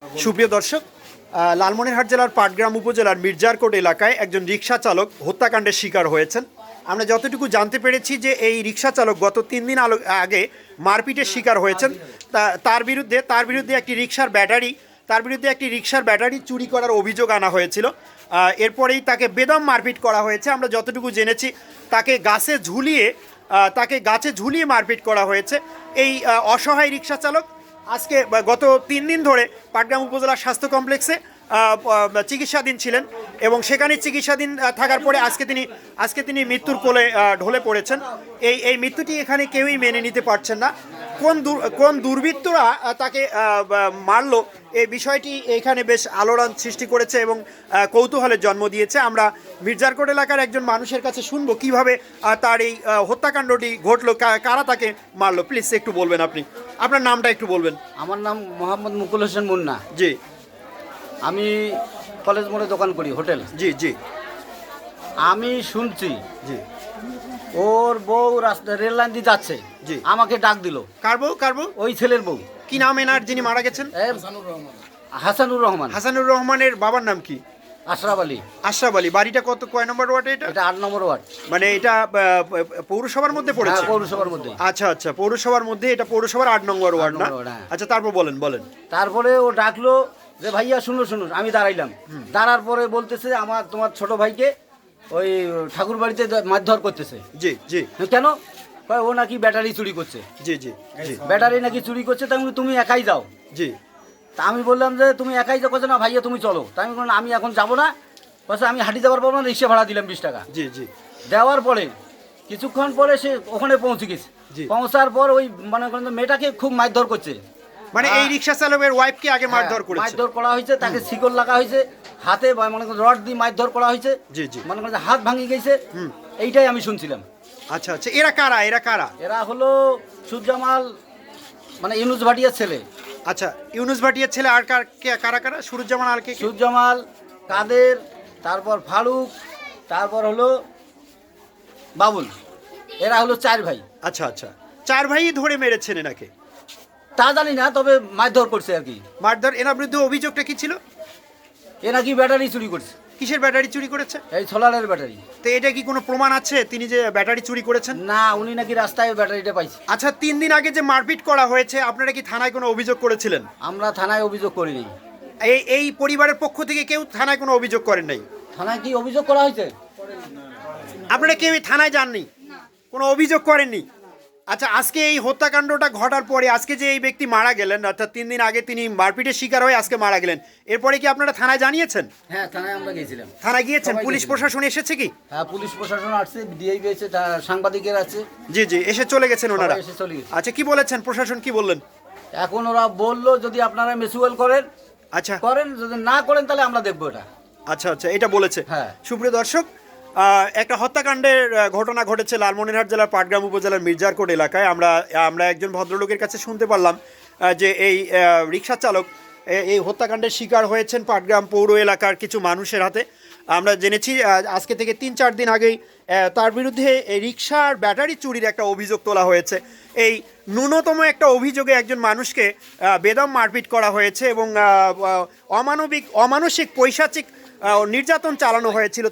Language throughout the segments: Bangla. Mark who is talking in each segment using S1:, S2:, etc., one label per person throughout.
S1: সুপ্রিয় দর্শক, লালমনিরহাট জেলার পাটগ্রাম উপজেলার মির্জারকোট এলাকায় একজন রিকশা চালক হত্যাকাণ্ডের শিকার হয়েছেন। আমরা যতটুকু জানতে পেরেছি যে এই রিকশা চালক গত 3 দিন আগে মারপিটের শিকার হয়েছেন। তার বিরুদ্ধে একটি রিকশার ব্যাটারি চুরি করার অভিযোগ আনা হয়েছিল। এরপরেই তাকে বেদম মারপিট করা হয়েছে। আমরা যতটুকু জেনেছি তাকে গাছে ঝুলিয়ে মারপিট করা হয়েছে। এই অসহায় রিকশা চালক আজকে গত 3 দিন ধরে পাটগ্রাম উপজেলা স্বাস্থ্য কমপ্লেক্সে চিকিৎসাধীন ছিলেন এবং সেখানে চিকিৎসাধীন থাকার পরে আজকে তিনি মৃত্যুর কোলে ঢলে পড়েছেন। এই মৃত্যুটি এখানে কেউই মেনে নিতে পারছেন না। কোন দুর্বৃত্তরা তাকে মারলো এই বিষয়টি এখানে বেশ আলোড়ন সৃষ্টি করেছে এবং কৌতূহলের জন্ম দিয়েছে। আমরা মির্জারকোট এলাকার একজন মানুষের কাছে শুনবো কিভাবে তার এই হত্যাকাণ্ডটি ঘটলো, কারা তাকে মারলো। প্লিজ একটু বলবেন, আপনার নামটা একটু বলবেন।
S2: আমার নাম মোহাম্মদ মুকুল হোসেন মুন্না।
S1: জি।
S2: আমি কলেজ মোড়ে দোকান করি, হোটেল।
S1: জি জি।
S2: আমি শুনছি
S1: জি।
S2: ওর বউ রাস্তা রেল লাইন দিয়ে যাচ্ছে।
S1: জি।
S2: আমাকে ডাক দিল।
S1: কার বউ?
S2: ওই ছেলের বউ।
S1: কি নাম এনার যিনি মারা গেছেন?
S2: হাসানুর রহমান।
S1: হাসানুর রহমানের বাবার নাম কি?
S2: আশরাফ আলী।
S1: আশরাফ আলী। বাড়িটা কয় নম্বর ওয়ার্ডে এটা?
S2: এটা 8 নম্বর ওয়ার্ড।
S1: মানে এটা পৌরসভার মধ্যে পড়েছে?
S2: হ্যাঁ, পৌরসভার মধ্যে।
S1: আচ্ছা, পৌরসভার মধ্যে, এটা পৌরসভার 8 নম্বর ওয়ার্ড না?
S2: হ্যাঁ।
S1: আচ্ছা, তারপর বলেন।
S2: তারপরে ও ডাকলো যে ভাইয়া শুনুন। আমি দাঁড়াইলাম। দাঁড়ার পরে বলতেছে তোমার ছোট ভাইকে ওই ঠাকুর বাড়িতে মারধর করতেছে।
S1: জি জি।
S2: কেন? ও নাকি ব্যাটারি চুরি করছে।
S1: জি জি জি।
S2: ব্যাটারি নাকি চুরি করছে, তাই তুমি একাই যাও।
S1: জি।
S2: তা আমি বললাম যে তুমি একাই যাও। না ভাইয়া তুমি চলো। তাই আমি বললাম আমি এখন যাবো না। আমি হাঁটি যাওয়ার পর রিক্সা ভাড়া দিলাম 20 টাকা।
S1: জি জি।
S2: দেওয়ার পরে কিছুক্ষণ পরে সে ওখানে পৌঁছে গেছে। পৌঁছার পর ওই মনে করেন মেয়েটাকে খুব মারধর করছে।
S1: মানে এই রিকশা চালকের ওয়াইফকে আগে মারধর করেছে?
S2: মারধর করা হয়েছে, তাকে শিকল লাগা হয়েছে, হাতে মনে করেন রড দিয়ে মারধর করা হয়েছে।
S1: জি জি।
S2: মনে করেন হাত ভাঙি গেছে। এইটাই আমি শুনছিলাম।
S1: আচ্ছা, এরা কারা?
S2: এরা হলো সুজামাল, মানে ইউনুস ভাটিয়ার ছেলে।
S1: আচ্ছা, ইউনুস ভাটিয়ার ছেলে। আর কারা? সুরুজ্জামান, আর কে?
S2: সুজামাল, কাদের, তারপর ফারুক, তারপর হলো বাবুল। এরা হলো 4 ভাই।
S1: আচ্ছা, 4 ভাই ধরে মেরেছেন এনাকে?
S2: তা জানি না, তবে মারধর করছে আর কি।
S1: মারধর। এনার বিরুদ্ধে অভিযোগটা কি ছিল?
S2: এ নাকি ব্যাটারি চুরি করছে।
S1: কিসের ব্যাটারি চুরি করেছে?
S2: এই সোলারের ব্যাটারি।
S1: তো এটা কি কোনো প্রমাণ আছে তিনি যে ব্যাটারি চুরি করেছেন?
S2: না, উনি নাকি রাস্তায় ব্যাটারিটা পাইছে।
S1: আচ্ছা, 3 দিন আগে যে মারপিট করা হয়েছে, আপনারা কি থানায় কোনো অভিযোগ করেছিলেন?
S2: আমরা থানায় অভিযোগ করিনি।
S1: এই পরিবারের পক্ষ থেকে কেউ থানায় কোনো অভিযোগ করেন নাই?
S2: থানায় কি অভিযোগ করা হয়েছে?
S1: আপনারা কেউ থানায় যাননি, কোনো অভিযোগ করেননি? আচ্ছা, আজকে এই হত্যাকাণ্ডটা ঘটার পরে আজকে যে এই ব্যক্তি মারা গেলেন, অর্থাৎ 3 দিন আগে তিনি মারপিটের শিকার হয়ে আজকে মারা গেলেন, এরপরে কি আপনারা থানায় জানিয়েছেন?
S2: হ্যাঁ, থানায় আমরা গিয়েছিলাম।
S1: থানায় গিয়েছেন? পুলিশ প্রশাসন এসেছে কি?
S2: হ্যাঁ, পুলিশ প্রশাসন আসছে, ডিআইবি আছে, সাংবাদিকের আছে।
S1: জি জি, এসে চলে গেছেন ওনারা?
S2: এসে চলে গেছে।
S1: আচ্ছা, কি বলেছেন? প্রশাসন কি বললেন?
S2: এখন ওরা বললো যদি আপনারা মিউচুয়াল করেন,
S1: আচ্ছা
S2: করেন, যদি না করেন তাহলে আমরা দেখবো এটা।
S1: আচ্ছা, এটা বলেছে।
S2: হ্যাঁ।
S1: সুপ্রিয় দর্শক, একটা হত্যাকাণ্ডের ঘটনা ঘটেছে লালমনিরহাট জেলার পাটগ্রাম উপজেলার মির্জারকোট এলাকায়। আমরা একজন ভদ্রলোকের কাছে শুনতে পারলাম যে এই রিকশা চালক এই হত্যাকাণ্ডের শিকার হয়েছেন পাটগ্রাম পৌর এলাকার কিছু মানুষের হাতে। আমরা জেনেছি আজকে থেকে 3-4 দিন আগেই তার বিরুদ্ধে এই রিকশার ব্যাটারি চুরির একটা অভিযোগ তোলা হয়েছে। এই ন্যূনতম একটা অভিযোগে একজন মানুষকে বেদম মারপিট করা হয়েছে এবং অমানসিক পৈশাচিক নির্যাতন চালানো হয়েছিল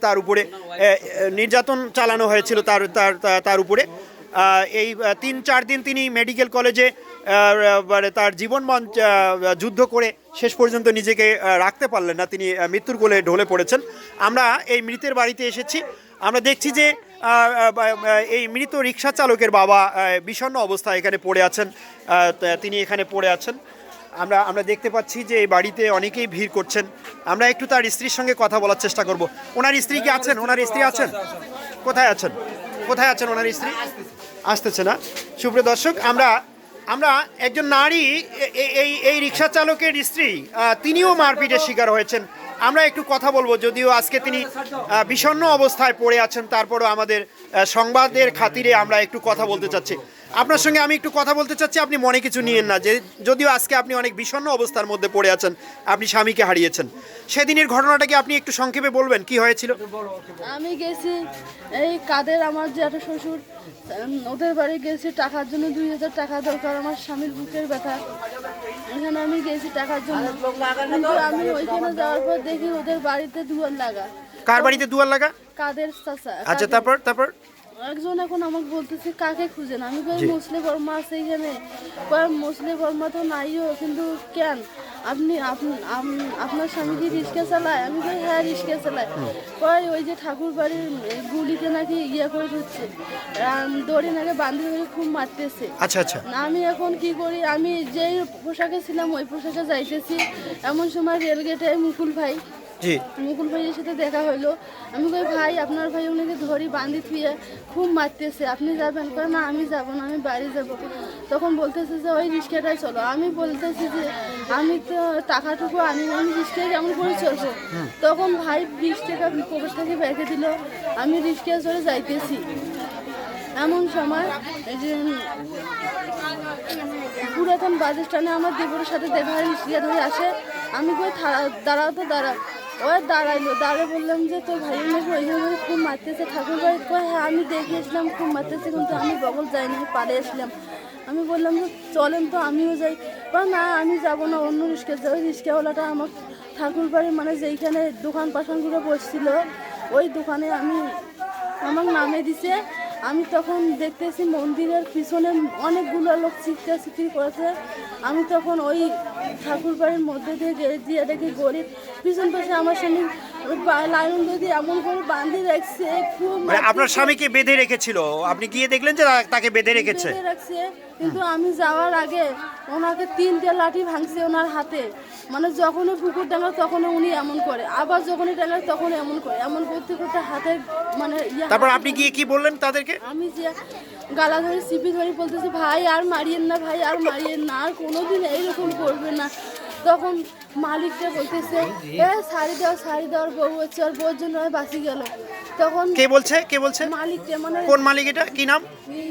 S1: তার উপরে। এই 3-4 দিন তিনি মেডিকেল কলেজে তার জীবন যুদ্ধ করে শেষ পর্যন্ত নিজেকে রাখতে পারলেন না, তিনি মৃত্যুর কোলে ঢলে পড়েছেন। আমরা এই মৃতের বাড়িতে এসেছি। আমরা দেখছি যে এই মৃত রিকশা চালকের বাবা বিষণ্ণ অবস্থায় এখানে পড়ে আছেন। তিনি এখানে পড়ে আছেন। আমরা দেখতে পাচ্ছি যে এই বাড়িতে অনেকেই ভিড় করছেন। আমরা একটু তার স্ত্রীর সঙ্গে কথা বলার চেষ্টা করব। ওনার স্ত্রী কি আছেন? ওনার স্ত্রী আছেন? কোথায় আছেন ওনার স্ত্রী? আসতেছে না। সুপ্রিয় দর্শক, আমরা একজন নারী, এই রিকশা চালকের স্ত্রী, তিনিও মারপিটের শিকার হয়েছেন। আমরা একটু কথা বলবো, যদিও আজকে তিনি বিষণ্ণ অবস্থায় পড়ে আছেন, তারপরও আমাদের সংবাদের খাতিরে আমরা একটু কথা বলতে চাচ্ছি। আপনার সঙ্গে আমি একটু কথা বলতে চাচ্ছি, আপনি মনে কিছু নিয়েন না, যে যদিও আজকে আপনি অনেক বিষণ্ণ অবস্থার মধ্যে পড়ে আছেন, আপনি স্বামীকে হারিয়েছেন। সেদিনের ঘটনাটা কি আপনি একটু সংক্ষেপে বলবেন, কি হয়েছিল?
S3: আমি গেছি এই কাদের, আমার জ্যাঠা শ্বশুর, ওদের বাড়ি গেছি টাকার জন্য। 2000 টাকা দরকার, আমার স্বামীর বুকের ব্যথা। এখানে আমি গেছি টাকার জন্য, কিন্তু আমি ওইখানে যাওয়ার পর দেখি ওদের বাড়িতে দুয়ার লাগা।
S1: কার বাড়িতে দুয়ার লাগা?
S3: কাদের চাচা।
S1: আচ্ছা,
S3: কাদের।
S1: তারপর
S3: একজন এখন আমাকে বলতেছে কাকে খুঁজেন, আমি কই মুসলিম বর্মা আছে এখানে, কয় মুসলিম বর্মা তো নাইও, কিন্তু কেন আপনি আপনার স্বামী কি রিক্সা চালায়? আমি কই হ্যাঁ রিক্সা চালায়। কয় ওই যে ঠাকুর বাড়ির গুলিতে নাকি ইয়ে করে দিচ্ছে, দড়ি নাকি বান্ধি ধরে খুব মারতেছে।
S1: আচ্ছা।
S3: আমি এখন কি করি, আমি যেই পোশাকে ছিলাম ওই পোশাকে যাইতেছি, এমন সময় রেলগেটে মুকুল ভাইয়ের সাথে দেখা হইলো। আমি কই ভাই আপনার ভাই উনিকে ধরি বান্ধি থুয়ে খুব মারতেছে, আপনি যাবেন? কয় না আমি যাব না, আমি বাড়ি যাব। তখন বলতেছে যে ওই রিক্সাটাই চলো। আমি বলতেছি যে আমি তো টাকাটুকু আমি রিক্সায় কেমন করে চলবো? তখন ভাই 20 টাকা পকেট থেকে ব্যাগে দিল, আমি রিক্সায় চলে যাইতেছি। এমন সময় এই যে পুরাতন বাস স্ট্যান্ডে আমার দেবরের সাথে দেখা হয়, রিক্সা ধরে আসে। আমি কই দাঁড়াও তো দাঁড়াও। ওই দাঁড়াইলো, দাঁড়িয়ে বললাম যে তোর ভাইয়ের নাকি ওই জন্য খুব মারতেছে ঠাকুর বাড়ি। কয় হ্যাঁ আমি দেখিয়েছিলাম খুব মারতেছে, কিন্তু আমি বগল যাইনি, পালিয়ে আসলাম। আমি বললাম যে চলেন তো আমিও যাই। বা না আমি যাব না, অন্য রিক্সা যাই। ওই রিক্সাওয়ালাটা আমার ঠাকুর বাড়ি মানে যেইখানে দোকান পাশানগুলো বসছিল ওই দোকানে আমার নামে দিছে। আমি তখন দেখতেছি মন্দিরের পিছনে অনেকগুলো লোক চিৎকার করেছে। আমি তখন ওই ঠাকুর বাড়ির মধ্যে দিয়ে দেখি গরিব পিছন পাশে আমার স্বামী লাইন যদি এমন করে বাঁধি রাখছে, খুব
S1: মানে আপনার স্বামীকে বেঁধে রেখেছিল, আপনি গিয়ে দেখলেন যে তাকে বেঁধে রেখেছে?
S3: রাখছে, কিন্তু আমি যাওয়ার আগে ওনাকে 3টে লাঠি ভাঙছে ওনার হাতে। মানে যখনই পুকুর ডাঙা তখন উনি এমন করে, আবার যখনই ডাঙা তখন এমন করে, এমন করতে করতে হাতে মানে
S1: তারপর আপনি গিয়ে কি বললেন তাদেরকে?
S3: আমি যে গালা ধরে চিপি ধরে বলতেছি ভাই আর মারিয়েন না, ভাই আর মারিয়েন না, আর কোনোদিন এইরকম করবে না। তখন মালিকটা বলতেছে শাড়ি দেওয়ার বউ হচ্ছে, আর বউর জন্য বাঁচি গেল। তখন
S1: কে বলছে?
S3: মালিকটা মানে
S1: কোন মালিক এটা, কি নাম?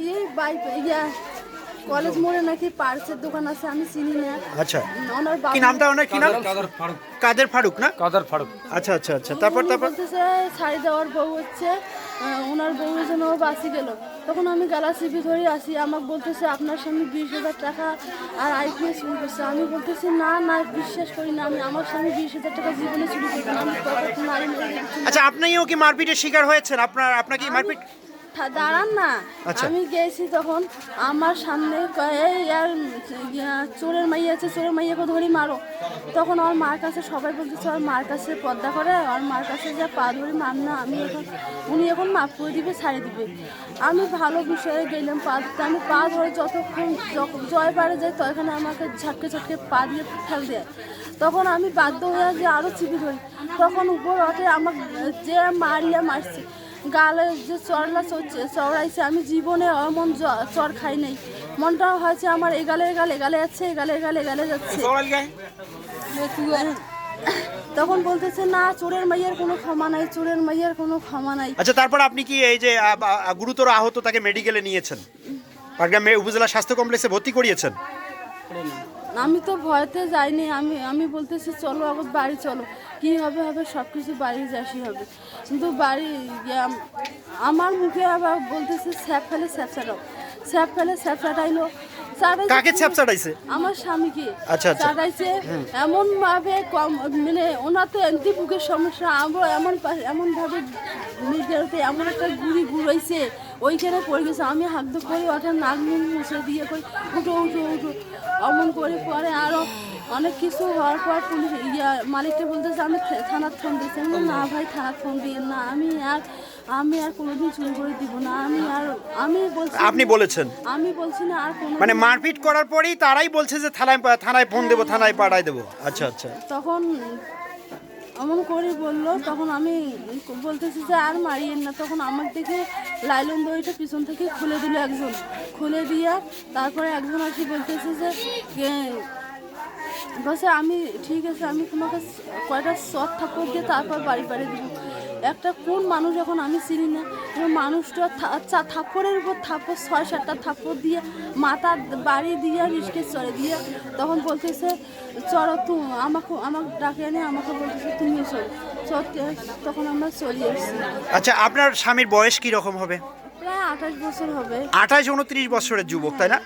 S3: কলেজ মোড়ে নাকি পার্সের দোকান আছে, আমি চিনি না।
S1: আচ্ছা,
S3: ওনার
S1: কি নামটা? ওনার কি নাম? কাদের ফারুক না?
S2: কাদের ফারুক।
S1: আচ্ছা। তারপর
S3: বলতেছে শাড়ি দেওয়ার বউ হচ্ছে, ওনার বউয়ের জন্য বাঁচি গেল। তখন আমি গালা চিপি ধরে আসি, আমাকে বলতেছে আপনার স্বামী 20,000 টাকা আর আইপিএস চুরি করছে। আমি বলতেছি না বিশ্বাস করি না, আমার স্বামী 20,000 টাকা জীবনে চুরি করছে না, আমি নারী মেরে দেখছি।
S1: আচ্ছা, আপনিও কি মারপিটের শিকার হয়েছেন? আপনাকে মারপিট?
S3: দাঁড়ান না,
S1: আচ্ছা।
S3: আমি গেছি তখন আমার সামনে চোরের মাইয়া আছে, চোরের মাইয়াকে ধরি মারো। তখন আমার মার কাছে সবাই বলতেছে ওর মার কাছে পর্দা করে, আর মার কাছে যা পা ধরে মার না, উনি এখন মাফ করে দিবে, ছাড়ে দিবে। আমি ভালো বিষয়ে গেলাম পা দিতে, আমি পা ধরে যতক্ষণ জয় পারে যাই তখন আমাকে ঝটকে পা দিয়ে ঠেল দেয়। তখন আমি বাধ্য হয়ে যে আরও চিপি ধরি। তখন উপর ওঠে আমাকে যে মারছে গালে যে চড়াইছে, আমি জীবনে এমন চড় খাই নাই। মনটাও হয়েছে আমার এগালে যাচ্ছে, এগালে যাচ্ছে। তখন বলতেছে না চোরের মাইয়ের কোনো ক্ষমা নাই।
S1: আচ্ছা, তারপর আপনি কি এই যে গুরুতর আহত তাকে মেডিকেলে নিয়েছেন, পাটগ্রাম উপজেলা স্বাস্থ্য কমপ্লেক্সে ভর্তি করিয়েছেন?
S3: আমি তো ভয়তে যাইনি, আমি বলতেছি চলো আবার বাড়ি চলো, কি হবে সব কিছু বাড়ি যাসি হবে। কিন্তু বাড়ি আমার মুখে আবার বলতেছে স্যাপ ফেলে স্যাপ ছাটাইলো।
S1: কাকে স্যাপ ছাটাইছে?
S3: আমার স্বামীকে ছাটাইছে এমন ভাবে, মানে ওনার তো এমনি বুকের সমস্যা, আমরা এমন ভাবে মিডিয়াতে এমন একটা ঘুরাইছে, ওইখানে পড়ে গেছে। আমি হাত করে ওটা নাক মুছে দিয়ে কই উঠো অমন করে পরে আরো অনেক কিছু হওয়ার পর পুলিশ মালিকটা বলতেছে আমি থানার ফোন দিয়েছি। না ভাই থানার ফোন দিয়ে না, আমি আর কোনোদিন চুরি করে দিব না। আমি বলছি,
S1: আপনি বলেছেন?
S3: আমি বলছি না আর কোনো,
S1: মানে মারপিট করার পরেই তারাই বলছে যে থানায় ফোন দেবো, থানায় পাঠাই দেবো। আচ্ছা।
S3: তখন এমন করে বললো, তখন আমি বলতেছি যে আর মারিয়েন না। তখন আমার দেখে লাইলন দড়িটা পিছন থেকে খুলে দিয়ে তারপরে একজন আসি বলতেছে যে বলছে আমি ঠিক আছে, আমি তোমাকে কয়টা শর্ট থাপ্পড় দিয়ে তারপর বাড়ি দেবো। একটা কোন মানুষ এখন আমি চিনি না, মানুষটা থাপ্পড়ের উপর থাপ্পড় 6-7টা থাপ্পড় দিয়ে মাথা বাড়ি দিয়ে রিস্কে চড়ে দিয়ে তখন বলতেছে চড়ো আমাকে ডাকে আনে, আমাকে বলতেছে তুমিও চড়তে। তখন আমরা চলে এসেছি।
S1: আচ্ছা, আপনার স্বামীর বয়স কি রকম হবে?
S3: প্রায় 28 বছর হবে।
S1: 28-29 বছরের যুবক, তাই না?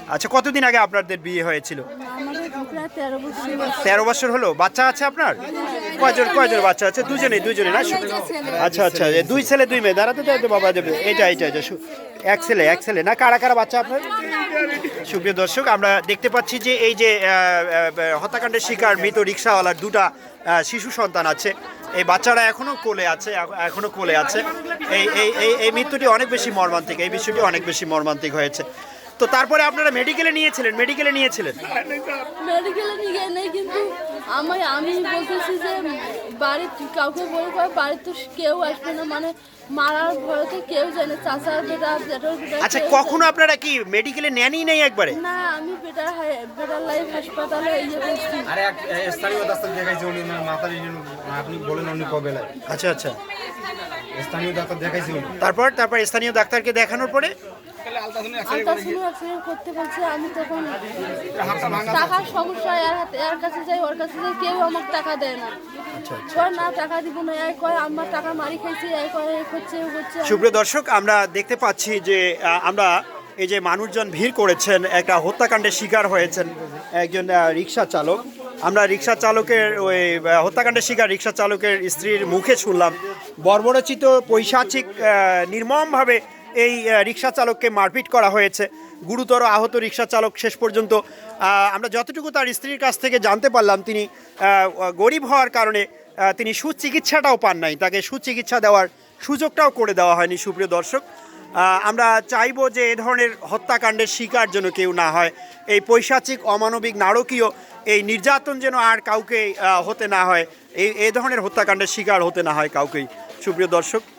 S1: আচ্ছা, কতদিন আগে আপনাদের বিয়ে হয়েছিল?
S3: আমাদের প্রায় 13 বছর বয়স।
S1: 13 বছর হলো। বাচ্চা আছে আপনার? কয়জন বাচ্চা আছে? দুজনে না? আচ্ছা আচ্ছা, 2 ছেলে 2 মেয়ে। দাঁড়াতে দাঁড়াতে বাবা দেবে। এটা এক ছেলে না? কারা বাচ্চা আপনার? সুপ্রিয় দর্শক, আমরা দেখতে পাচ্ছি যে এই যে হত্যাকাণ্ডের শিকার মৃত রিক্সাওয়ালার 2টা শিশু সন্তান আছে। এই বাচ্চারা এখনো কোলে আছে। এই মৃত্যুটি অনেক বেশি মর্মান্তিক, এই বিষয়টি অনেক বেশি মর্মান্তিক হয়েছে। তো তারপরে আপনারা মেডিকেলে নিয়েছিলেন?
S3: মেডিকেলে নিয়ে গিয়ে নেই, কিন্তু আমি বলতেছি যে বাড়ির কাউকে বলে বাড়ির তো কেউ আসবে না, মানে মারার ভয়তে কেউ জানে, চাচার বেটা জেঠার বেটা।
S1: আচ্ছা, কখনো আপনারা কি মেডিকেলে নেনই নাই একবারে?
S3: না, আমি বেটার লাইফ হাসপাতালে করছি।
S4: আরে এক স্থানীয় ডাক্তার দেখাইছে, উনি মাথার আপনি বলেন উনি কবে লাগে।
S1: আচ্ছা আচ্ছা,
S4: স্থানীয় ডাক্তার দেখাইছে উনি।
S1: তারপর স্থানীয় ডাক্তারকে দেখানোর পরে
S3: আলট্রাসাউন্ড করতে বলছে। আমি তখন টাকার সমস্যা, এর কাছে যাই ওর কাছে যাই, কেউ আমাকে টাকা দেয় না। কয় না টাকা দিব না, এই কয় আমার টাকা মারি খাইছে, এই কয় এই করছে ও করছে।
S1: সুপ্রিয় দর্শক, আমরা দেখতে পাচ্ছি যে আমরা এই যে মানুষজন ভিড় করেছেন, একটা হত্যাকাণ্ডের শিকার হয়েছেন একজন রিক্সা চালক। আমরা রিক্সা চালকের ওই হত্যাকাণ্ডের শিকার রিক্সা চালকের স্ত্রীর মুখে শুনলাম বর্বরচিত পৈশাচিক নির্মমভাবে এই রিক্সা চালককে মারপিট করা হয়েছে। গুরুতর আহত রিক্সা চালক। শেষ পর্যন্ত আমরা যতটুকু তার স্ত্রীর কাছ থেকে জানতে পারলাম, তিনি গরিব হওয়ার কারণে তিনি সুচিকিৎসাটাও পান নাই, তাকে সুচিকিৎসা দেওয়ার সুযোগটাও করে দেওয়া হয়নি। সুপ্রিয় দর্শক, আমরা চাইবো যে এ ধরনের হত্যাকাণ্ডের শিকার যেন কেউ না হয়। এই পৈশাচিক, অমানবিক, নারকীয় এই নির্যাতন যেন আর কাউকে হতে না হয়, এই ধরনের হত্যাকাণ্ডের শিকার হতে না হয় কাউকেই। সুপ্রিয় দর্শক,